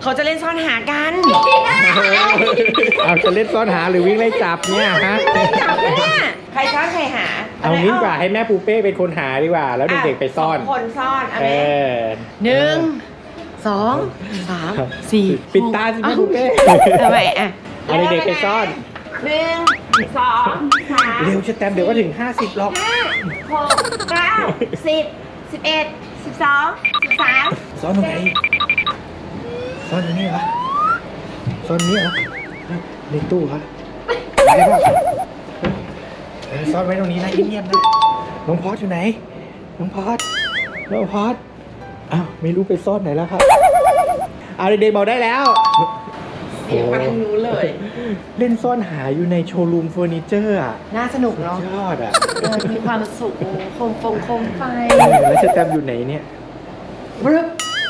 เขาจะเล่นซ่อนหากันเอาจะเล่นซ่อนหาหรือวิ่งไล่จับเนี่ยฮะไล่จับกันเนี่ยใครซ่อนใครหาเอางี้ดีกว่าให้แม่ปูเป้เป็นคนหาดีกว่า แล้วเด็กๆไปซ่อนสงคนซ่อนเอาเอไหมอ 1 2 3 4 ปิดตาสิแม่ปูเป้ทำไมอ่ะเอาเด็กๆไปซ่อน 1 2 3 เร็วจะแตมเดี๋ยวก็ถึง50หรอก 5 6 9 10 11 12 13 ซ่อนตรงไหนซ่อนตรงนี้เหรอซ่อนตรงนี้เหรอในตู้ครับได้ป่ะซ่อนไว้ตรงนี้นะเงียบๆนะน้องพอดอยู่ไหนน้องพอดอ้าวไม่รู้ไปซ่อนไหนแล้วครับเอาเด็กๆบอกได้แล้วเสียงมาทางนู้นเลยเล่นซ่อนหาอยู่ในโชว์รูมเฟอร์นิเจอร์อ่ะน่าสนุกเนาะยอดอ่ะมีความสุขโคมไฟแล้วจะแตมอยู่ไหนเนี่ยบรึบ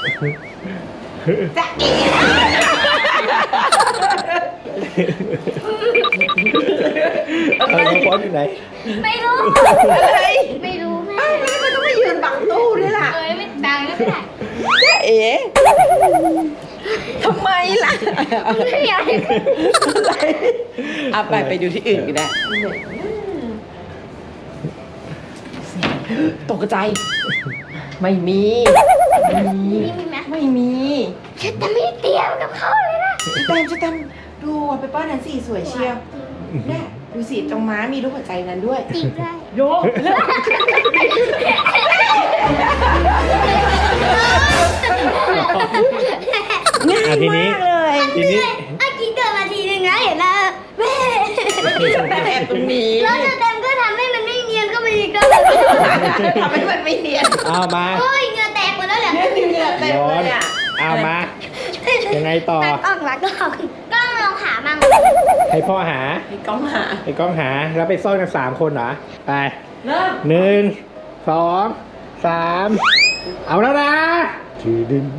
จะเอ๋น้องพอดอยู่ไหนไม่รู้อะไรไม่รู้แม่อ้าวแล้วมันต้องมายืนบังตู้ด้วยล่ะไม่ดังก็ได้จะเอ๋ทำไมล่ะไม่อยากอะไรเอาไปดูที่อื่นก็ได้ตกใจไม่มีนี่มีไหมไม่มีฉันจะไม่เตรียมกับเขาเลยนะจะแตมดูไปป้อนนั้นสิสวยเชียวเนี่ยดูสิตรงม้ามีรูปหัวใจนั้นด้วยติดได้โยกง่ายทีนี้มากเลยทีนี้เมื่อกี้เกิดมาทีนึงนะเห็นนะแม่แต่แอบตรงนี้แล้วจะเต็มก็ทำให้มันไม่เนียนก็ไปอีกแล้วทำให้มันไม่เนียนเอามาโอ้ยเหงื่อแตกหมดแล้วเนี่ยเนี่ยเหงื่อเต็มเลยอ่ะเอามา ยังไงต่อตัดออกหลักก็ลองหามั่งให้พ่อหาให้กล้องหาให้กล้องหา แล้วไปซ่อนกัน3 คนเหรอ ไปเริ่ม 1 2 3 เอาแล้วนะถือดึง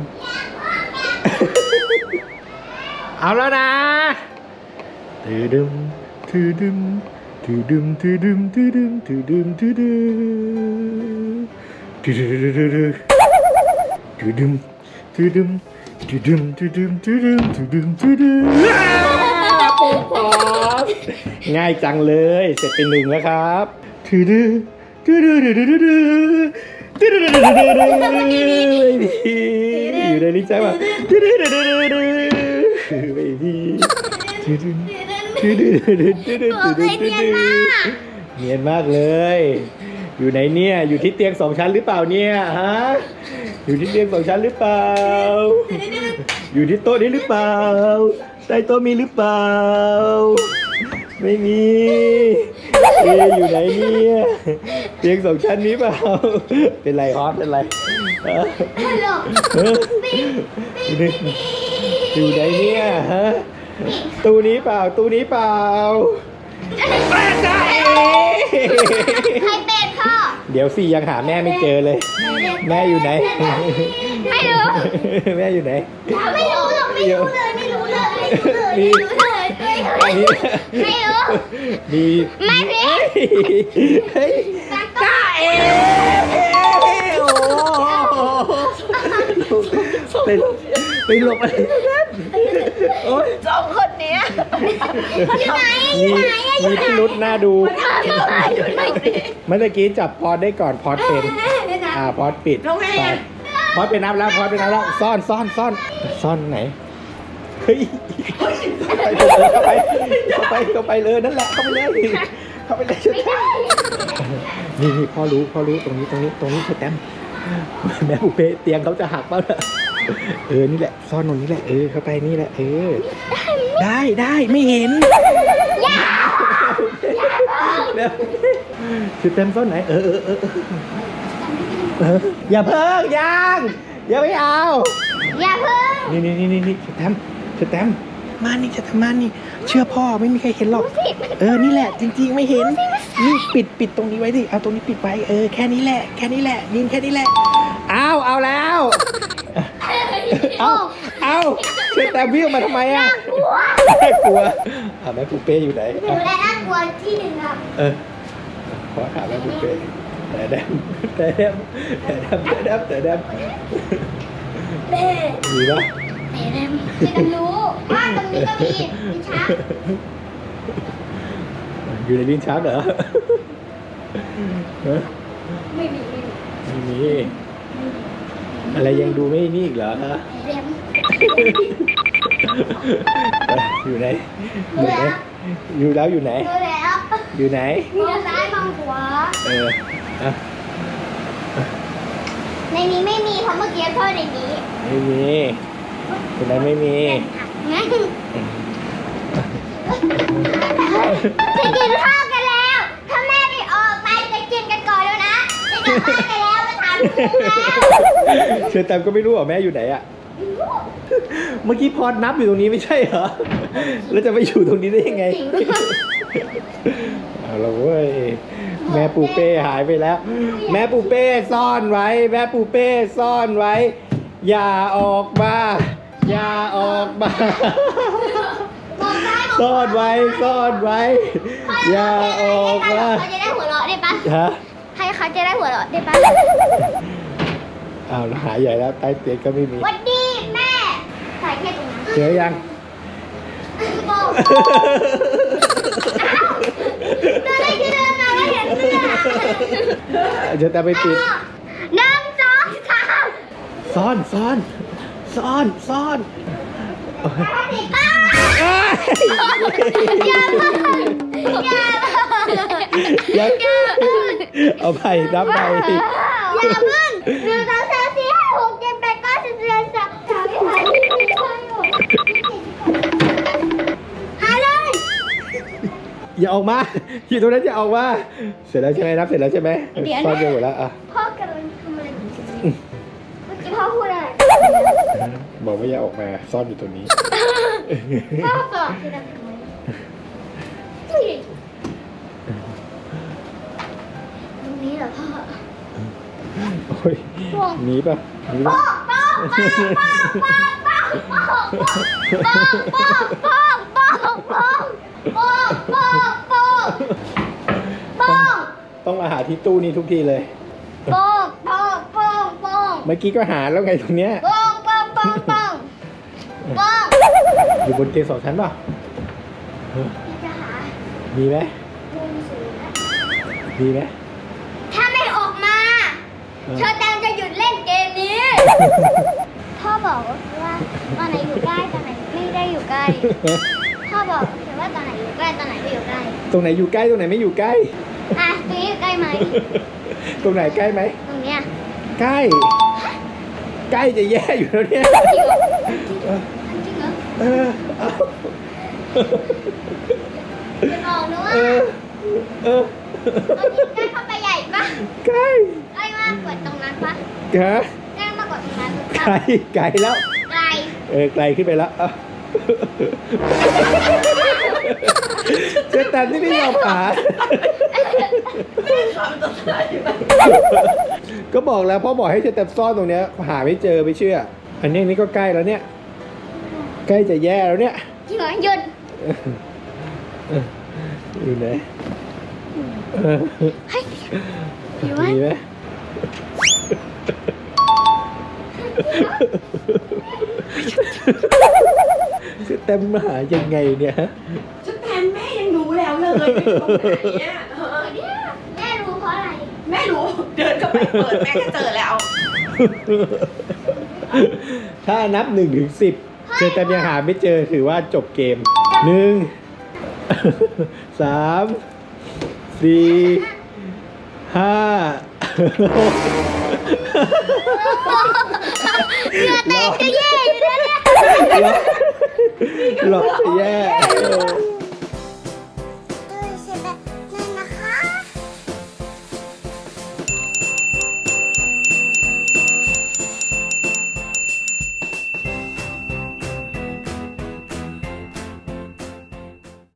เอาแล้วนะถือดึงถือดึงถือดึงถือดึงถือดึงถือดึงถือดึงถือดึงถือดึงถือดึงถือดึงถือดึงถือดึงถือดึงถือดึงปุ๊บป๊บง่ายจังเลยเสร็จเป็น1แล้วครับถือดึงถือดึงถือดึงถือดึงถือดึงถือดึงถือดึงอยู่ในลิ้นชักว่าถือดึงถือดึงถือดึงไม่ดีถือดึงถือดึงถือดึงถือดึงถือดึงถือดึงเนียนมากเลย อยู่ไหนเนี่ยอยู่ที่เตียง2 ชั้นหรือเปล่าเนี่ยฮะอยู่ที่เตียง2 ชั้นหรือเปล่าอยู่ที่โต๊ะนี้หรือเปล่าใต้โต๊ะมีหรือเปล่าไม่มีอยู่ไหนเนี่ยเตียง2 ชั้นนี้เปล่าเป็นไรฮอตเป็นไรฮะฮัลโหลอยู่ไหนเนี่ยฮะตู้นี้เปล่าตู้นี้เปล่าใครเป็นพ่อเดี๋ยวสิยังหาแม่ไม่เจอเลย แม่อยู่ไหนไม่รู้แม่อยู่ไหนไม่รู้หรอกไม่รู้เลยไม่รู้เลยไม่รู้เลยไม่รู้เลยไม่รู้มีไม่มีเฮ้ยจ้าเอ๋โอ้ไปหลบอะไรโอ๊ยสองคนเนี้ยมีพิรุษน่าดูอยู่ไหนดิเมื่อกี้จับพอดได้ก่อนพอดเป็นพอดปิดลงไงไปอ่ะพอดเป็นนับแล้วพอดเป็นนับแล้วซ่อนไหนเฮ้ยเข้าไปเลยนั่นแหละเข้าไปเลยนี่พ่อรู้ตรงนี้เธอแต้มแม่บุเป้เตียงเขาจะหักเปล่าล่ะนี่แหละซ่อนตรงนี้แหละเข้าไปนี่แหละได้ไม่เห็นคือเต็มซ่อนไหนอย่าเพิ่งยังอย่าไม่เอาอย่าเพิ่งนี่เชอแตมมานี่เชื่อพ่อไม่มีใครเห็นหรอกนี่แหละจริงๆไม่เห็นนี่ปิดตรงนี้ไว้ดิเอาตรงนี้ปิดไว้แค่นี้แหละยืนแค่นี้แหละเอาแล้วเอาเชอแตมวิ่งมาทำไมอ่ะน่ากลัวแม่ปูเป้อยู่ไหนหนูและน่ากลัวที่หนึ่งครับขอถามแม่ปูเป้แต่แดมมีปะจะรู้ว่าตรงนี้ก็มีลิ้นชักอยู่ในลิ้นชักเหรอฮะไม่มีไม่มีอะไรยังดูไม่นี่อีกเหรอฮะเรียมอยู่ไหนอยู่ไหนอยู่แล้วอยู่ไหนรู้แล้วอยู่ไหนมองซ้ายมองขวาอ่ะในนี้ไม่มีเพราะเมื่อกี้พ่อในนี้ไม่มีคนนั้นไม่มีงั้นจะกินข้าวกันแล้ว ถ้าแม่ไม่ออกไปจะกินกันก่อนแล้วนะจะกลับบ้านกันแล้วมาถามลูกแล้วเชิญแตมก็ไม่รู้เหรอแม่อยู่ไหนอะเมื่อกี้พอดนับอยู่ตรงนี้ไม่ใช่เหรอแล้วจะไปอยู่ตรงนี้ได้ยังไงเอาละเว้ยแม่ปูเป้หายไปแล้ว แม่ปูเป้ซ่อนไว้ แม่ปูเป้ซ่อนไว้ อย่าออกมาอย่าออกมามองซ้ายมองขวาซ่อนไว้ซ่อนไว้ อย่าออกมาเขาจะได้หัวเราะได้ปะฮะให้เขาจะได้หัวเราะได้ปะอ้าวแล้วหายใหญ่แล้วใต้เตียงก็ไม่มีวันดีแม่ใส่แค่ตรงนั้นเจอยังบอกเดินเลยคือเดินมาก็เห็นเสื้อเดี๋ยวแต่ไปปิดหนึ่งสองสามซ่อนซ่อนซ่อนซ่อนอ้าวอย่าเพิ่งอย่าเพิ่งเอาไปนับไปอย่าเพิ่งหนึ่งสองสามสี่ห้าหกเจ็ดแปดเก้าสิบสิบเอ็ดสิบสองสิบสามสิบสี่สิบห้าสิบหกหาเลยอย่าออกมาอยู่ตรงนั้นอย่าออกมาเสร็จแล้วใช่ไหมนับเสร็จแล้วใช่ไหมซ่อนไปหมดแล้วอ่ะพ่อกำลังทำอะไรอยู่เมื่อกี้พ่อพูดอะไรบอกว่าอย่าออกมาซ่อนอยู่ตรงนี้พ่อบอกคือทำไมตรงนี้เหรอพ่อโอ้ยหนีป่ะหนีป้ป่ะองป้องป้องป้องป้องป้องป้องป้องป้องป้องป้องป้องต้องมาหาที่ตู้นี้ทุกทีเลยป้องป้องป้องป้องเมื่อกี้ก็หาแล้วไงตรงเนี้ยป้องป้องป้องป้องป้องอยู่บนเตียงสองชั้นป่ะจะหามีไหมมุมสูงนะมีไหมถ้าไม่ออกมาเชอแตมจะหยุดเล่นเกมนี้ พ่อบอกว่าตอนไหนอยู่ใกล้ตอนไหนไม่ได้อยู่ใกล้ พ่อบอกแต่ว่าตอนไหนอยู่ใกล้ตอนไหนไม่อยู่ใกล้ตรงไหนอยู่ใกล้ตรงไหนไม่อยู่ใกล้อ่ะตรงนี้อยู่ใกล้ไหมตรงไหนใกล้ไหมตรงเนี้ยใกล้ ใกล้จะแย่อยู่แล้วเนี่ยจริงเหรอจริงเหรอเออเอาจะบอกนะว่าเออเออตอนนี้ใกล้เข้าไปใหญ่ปะใกล้ใกล้มากกว่าตรงนั้นปะฮะใกล้มากกว่าตรงนั้นไกปะลไกลแล้วไกลไกลขึ้นไปแล้วเอาเจะแต่ที่ไม่ยอมหา ก็บอกแล้วพ่อบอกให้เจะแต่ซ่อนตรงเนี้ยหาไม่เจอไม่เชื่อ อันนี้นี่ก็ใกล้แล้วเนี่ย ใกล้จะแย่แล้วเนี่ยจริงเหรอหยุดอยู่ไหนเฮ้ยอยู่ไหมมีไหมจะเต็มมาหายังไงเนี่ยฮะชุดแทนแม่ยังรู้แล้วเลยว่าอยู่ตรงไหนเนี่ยแม่รู้เพราะอะไรแม่รู้เดินเข้าไปเปิดแม่ก็เจอแล้วถ้านับ1 ถึง 10เจอแต่ยังหาไม่เจอถือว่าจบเกม 1 3 4 5 เหงื่อแตกจะแย่อยู่แล้วเนี่ยหลอกจะแย่